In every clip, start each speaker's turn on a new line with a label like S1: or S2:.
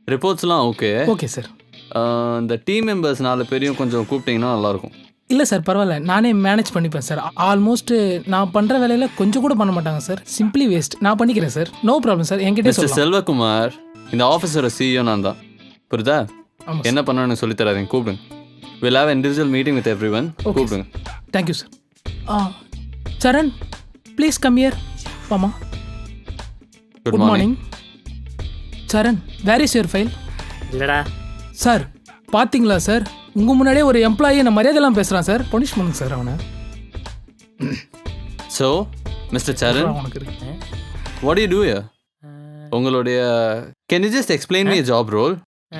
S1: ரிப்போர்ட்ஸ்லாம் okay.
S2: Okay sir.
S1: இந்த team members 4 பேரையும் கொஞ்சம் கூப்பிட்டீங்கன்னா நல்லாயிருக்கும்.
S2: இல்லை சார் பரவாயில்ல, நானே மேனேஜ் பண்ணிப்பேன் சார். ஆல்மோஸ்ட் நான் பண்ணுற வேலையில் கொஞ்சம் கூட பண்ண மாட்டாங்க சார். Simply waste. நான் பண்ணிக்கிறேன் சார். No problem sir. என்கிட்ட
S1: மிஸ்டர்
S2: சொல்லலாம்.
S1: செல்வகுமார், இந்த ஆஃபீஸரோட சிஇஓ நான் தான். புரியுதா?
S2: ஆமாம்
S1: என்ன பண்ணணும்னு சொல்லி தராதீங்க, கூப்பிடுங்க. Will have individual meeting with every one. கூப்பிடுங்க.
S2: Thank you sir. Saran please come here. வாமா.
S1: Good morning.
S2: Saran where is your file?
S3: இல்லடா.
S2: சார் பார்த்தீங்களா சார், உங்கள் முன்னாடியே ஒரு எம்ப்ளாயி என்ன மரியாதைலாம் பேசுகிறான் சார். பனிஷ் பண்ணுங்க சார் அவனை.
S1: ஸோ மிஸ்டர் சரண்,
S2: உனக்கு இருக்கு.
S1: What do you do here? உங்களுடைய can you just explain me job role?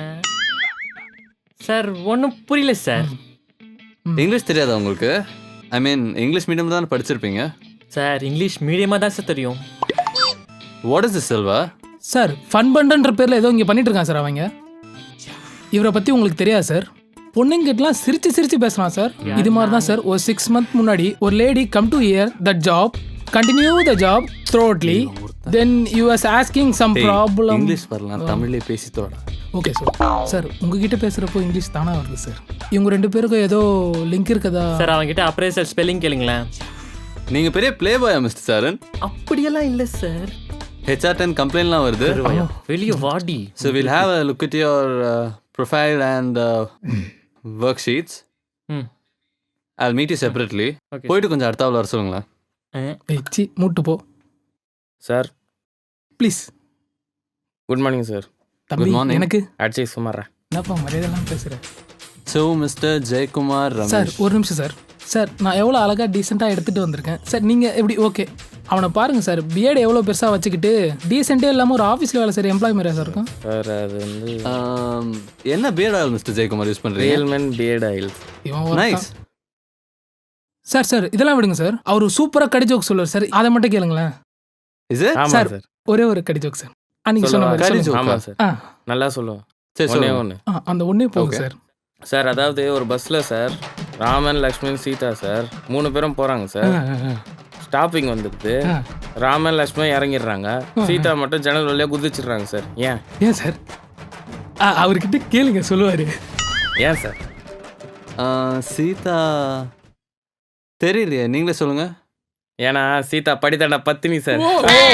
S3: Sir ஒன்றும் புரியல சார்.
S1: இங்கிலீஷ் தெரியாதா உங்களுக்கு? ஐ மீன் இங்கிலீஷ் மீடியம் தான் படிச்சிருப்பீங்க.
S3: சார் இங்கிலீஷ் மீடியமாக தான் சார் தெரியும்.
S1: What is this Selva?
S2: Sir fun பண்றன்ற பேரில் ஏதோ இங்கே பண்ணிட்டு இருக்கான் சார் அவங்க. இவரை பற்றி உங்களுக்கு தெரியாது சார். பொண்ணுங்கிட்டலாம் சிரிச்சு சிரிச்சு பேசலாம் சார். இது மாதிரி தான் சார் ஒரு 6 months முன்னாடி ஒரு lady come to here that job, continue the job thoroughly, then you was asking some problem.
S1: English வரலாம், தமிழ்லேயே பேசி தோடா.
S2: Okay sir. சார் உங்ககிட்ட பேசுகிறப்போ இங்கிலீஷ் தானே வருது சார். இவங்க 2 பேருக்கும் ஏதோ லிங்க் இருக்குதா
S3: சார்? அவங்ககிட்ட அப்படியே சார் ஸ்பெல்லிங் கேளுங்களேன்.
S1: நீங்கள் பெரிய ப்ளே பாயா மிஸ்டர் சரண்?
S3: அப்படியெல்லாம் இல்லை சார்.
S1: HR10 கம்ப்ளைண்ட்லாம் வருது.
S3: வெளியே வாடி.
S1: So will have a look at your profile and work sheets. I'll meet you separately. போயிட்டு கொஞ்சம் அடுத்தாவில் வர சொல்லுங்களேன்.
S2: சி மூட்டு போ
S4: sir.
S2: Please.
S4: Good morning sir.
S2: தம்பி
S1: Good morning.
S2: எனக்கு
S4: அடிச்சு சுமாரா.
S2: என்னப்பா மரியாதைலாம் பேசுகிறேன்.
S1: So mister Jayakumar
S2: sir
S1: Ramesh,
S2: ஒரு நிமிஷம் சார். சார் நான் எவ்வளோ அழகாக டீசெண்டாக எடுத்துகிட்டு வந்திருக்கேன் சார். நீங்கள் எப்படி ஓகே அவனை பாருங்கள் சார். பிஎட் எவ்வளோ பெருசாக வச்சுக்கிட்டு டீசெண்டே இல்லாமல் ஒரு ஆஃபீஸில் வேலை சார் எம்ப்ளாய் மாதிரியா சார் இருக்கும்
S4: சார் அது வந்து
S1: என்ன beard oil mister Jayakumar use பண்ணுறீங்க?
S4: Realman beard oil.
S2: இவன்
S1: நைஸ்.
S2: சார். சார் இதெல்லாம் விடுங்க சார். அவர் சூப்பராக கடி ஜோக் சொல்லுவார் சார். அதை மட்டும் கேளுங்களேன்.
S1: Is it?
S4: ஆமாம்
S2: சார்.
S4: சார்.
S2: ஒரே ஒரு கடி ஜோக் சார். அன்னைக்கு சொன்ன
S4: சொல்லவா?
S2: மாதிரி
S1: கடி
S2: சொல்லுங்க.
S1: joke.
S4: ஆமாம் சார்.
S2: ஆ
S4: நல்லா சொல்லுவோம்.
S1: சரி
S4: ஒன்றே
S1: சொல்லுங்க.
S4: ஒன்று
S2: அந்த ஒன்றே போதும்
S1: Okay.
S2: சார்.
S4: சார். அதாவது ஒரு பஸ்ஸில் சார் ராமன், லக்ஷ்மண், சீதா சார் 3 பேரும் போகிறாங்க சார். ஸ்டாப்பிங் வந்துடுது. ராமன், லக்ஷ்மண் இறங்கிடுறாங்க. சீதா மட்டும் ஜன்னல் வழியாக குதிச்சிடுறாங்க சார்.
S2: ஏன் சார்? அவர்கிட்ட கேளுங்க சொல்லுவார்.
S4: ஏன் சார்?
S1: சீதா தெரியலையே, நீங்களே சொல்லுங்க.
S4: ஏன்னா சீதா படித்தாண்ட பத்தினி sir.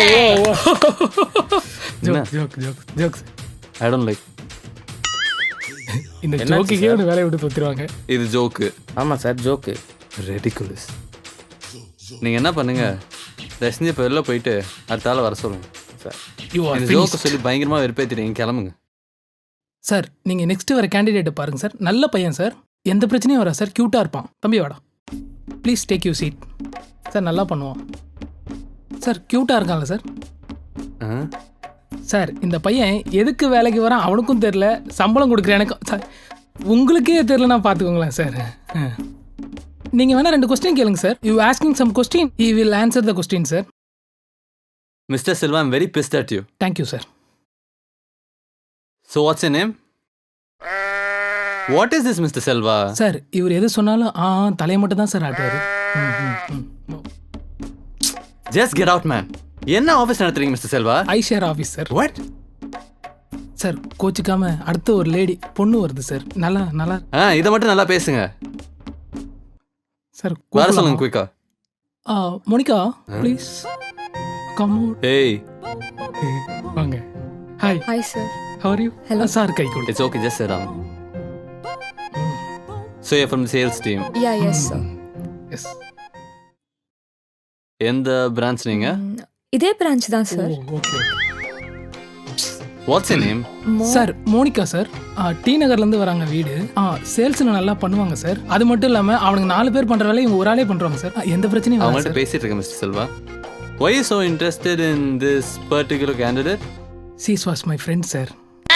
S2: Joke joke joke joke.
S1: I don't like.
S2: இந்த
S4: என்னாச்சு
S2: ஜோக்குக்கே
S4: சார்?
S2: ஒரு வேலையை விட்டு தொத்துருவாங்க.
S1: இது ஜோக்கு.
S4: ஆமாம் சார் ஜோக்கு.
S1: ரெடிகுலஸ். நீங்கள் என்ன பண்ணுங்க, தயவுசெஞ்சு இப்போ வெளில போயிட்டு அடுத்த ஆளை வர சொல்லுங்க
S4: சார்.
S2: யூ ஆர்
S1: இந்த ஜோக்கை சொல்லி பயங்கரமாக வெறுப்பேற்றிட்டீங்க, கிளம்புங்க.
S2: சார் நீங்கள் நெக்ஸ்ட் வர கேண்டிடேட்டை பாருங்கள் சார். நல்ல பையன் சார். எந்த பிரச்சனையும் வரா சார். க்யூட்டாக இருப்பான். தம்பி வாடா. Please take you seat. Sir நல்லா பண்ணுவான் சார். க்யூட்டாக இருக்கான்ல சார். சார் இந்த பையன் எதுக்கு வேலைக்கு வரான் அவனுக்கும் தெரில, சம்பளம் கொடுக்குறேன் எனக்கு சார். உங்களுக்கே தெரிலனா பார்த்துக்கோங்களேன் சார். நீங்கள் வேணால் 2 கொஸ்டின் கேளுங்க sir. You asking some question, he will answer the question sir.
S1: Mister Selva, I'm very pissed at you.
S2: Thank you sir.
S1: So what's your name? What is this mister Selva?
S2: Sir இவர் எது சொன்னாலும் தலையை மட்டும் தான் சார் ஆட்டுவார்.
S1: Just get out man. என்ன office நடத்துறீங்க mister Selva?
S2: ஐஷேர் ஆஃபீஸ் சார்.
S1: வாட்?
S2: சார் கோச்சிக்காம அடுத்த ஒரு லேடி பொண்ணு வருது சார். நல்லா நல்லா
S1: இதை மட்டும் நல்லா பேசுங்க.
S2: சார்
S1: வர சொல்லுங்க குயிக்கா.
S2: Monica please come out.
S1: ஏய்,
S2: வாங்க. Hi.
S5: Hi, sir.
S2: How are you?
S5: Hello.
S2: Sir கை கொடு.
S1: It's okay, just sit down. So you from the sales team.
S5: Yeah, yes, sir.
S2: Yes.
S1: எந்த பிரான்ச் நீங்க?
S5: இதே பிரான்ச் தான் sir.
S2: Okay.
S1: What's your name?
S2: Sir Monica sir. T நகர்லேருந்து வராங்க வீடு. சேல்ஸில் நல்லா பண்ணுவாங்க சார். அது மட்டும் இல்லாமல் அவனுக்கு 4 பேர் பண்ணுற வேலையை இவங்க ஒரு ஆளே பண்ணுறாங்க சார். எந்த பிரச்சனையும் வராது
S1: அவங்கள்ட்ட
S2: சார்.
S1: பேசிட்டு இருக்கேன் mister Selva. Why you so interested in this particular candidate?
S2: She's was my friend sir.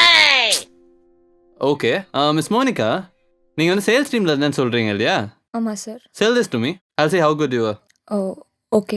S1: Okay. Miss Monica, நீங்கள் வந்து சேல்ஸ் டீமில் இருந்தேன்னு சொல்கிறீங்க இல்லையா?
S5: ஆமாம் sir.
S1: Sell this to me. I'll see how good you are.
S5: Oh okay.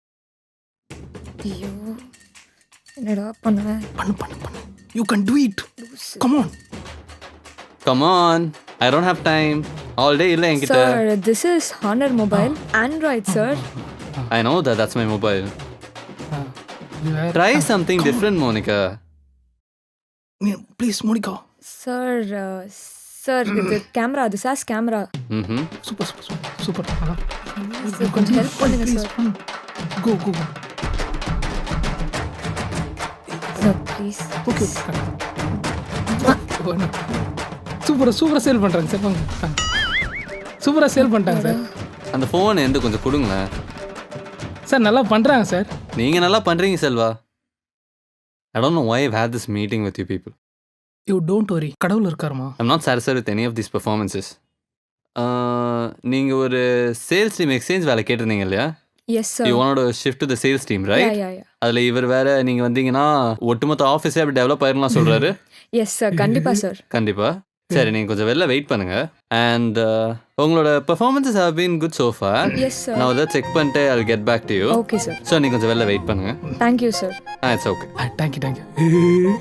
S5: ஐயோ என்னடா பண்ணுவேன்.
S2: பண்ணு பண்ணு பண்ணு. You can do it. Come on.
S1: Come on. I don't have time. All day இல்லை என்கிட்ட.
S5: Sir this is Honor mobile Android sir.
S1: I know that. That's my mobile. Try something different, Monica.
S2: Please Monica.
S5: Sir sir இது camera, அது சாஸ் camera.
S1: ம்
S2: super super super super. அதான்
S5: சார் கொஞ்சம் help பண்ணுங்க sir.
S2: Go go go.
S5: Sir please.
S2: Okay சூப்பராக சூப்பராக சேல் பண்ணுறாங்க சார். வாங்க சூப்பராக சேல் பண்ணிட்டாங்க சார்.
S1: அந்த ஃபோன் எந்த கொஞ்சம் கொடுங்களேன்.
S2: சார் நல்லா பண்ணுறாங்க சார்.
S1: நீங்கள் நல்லா பண்ணுறீங்க Selva. I don't know why I've had this meeting with you people.
S2: You don't worry, கடவுள் இருக்காருமா.
S1: I'm not satisfied with any of these performances. நீங்கள் ஒரு சேல்ஸ் டீம் எக்ஸ்சேஞ்ச் வேலை கேட்டிருந்தீங்க இல்லையா?
S5: Yes sir.
S1: You want to shift to the sales team, right?
S5: Yeah.
S1: அதில் இவர் வேற நீங்கள் வந்தீங்கன்னா ஒட்டுமொத்த ஆஃபீஸே அப்படி டெவலப் ஆயிரும்லாம் சொல்கிறாரு.
S5: எஸ் சார், கண்டிப்பா சார்.
S1: கண்டிப்பாக. சரி, நீங்கள் கொஞ்சம் வெளில வெயிட் பண்ணுங்கள். அண்ட் உங்களோட performances have been good so far.
S5: Yes sir.
S1: நான் அதை செக் பண்ணிட்டு I'll get back to you.
S5: Okay sir.
S1: So நீங்கள் கொஞ்சம் வெளில வெயிட் பண்ணுங்கள்.
S5: Thank you sir.
S1: It's okay.
S2: Thank you.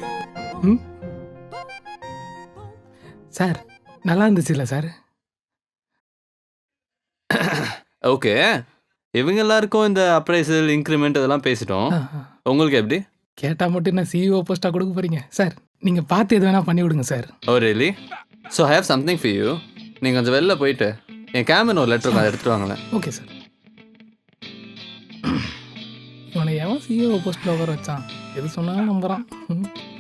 S2: Sir நல்லா இருந்துச்சுல்ல சார்?
S1: ஓகே, இவங்க எல்லாருக்கும் இந்த அப்ரைசல் இன்க்ரிமெண்ட் இதெல்லாம் பேசிட்டோம். உங்களுக்கு எப்படி?
S2: கேட்டால் மட்டும் என்ன சிஇஓ போஸ்ட்டாக கொடுக்க போகிறீங்க சார்? நீங்கள் பார்த்து எது வேணால் பண்ணி விடுங்க sir.
S1: Oh really? So I have something for you. நீங்கள் கொஞ்சம் வெளில போயிட்டு என் கேமரா ஒரு லெட்டர் அதை எடுத்துகிட்டு வாங்களேன்.
S2: Okay sir. இவனை எவன் சிஇஓ போஸ்ட்டில் உட்கார வச்சான்? எது சொன்னாலும் நம்புகிறான்.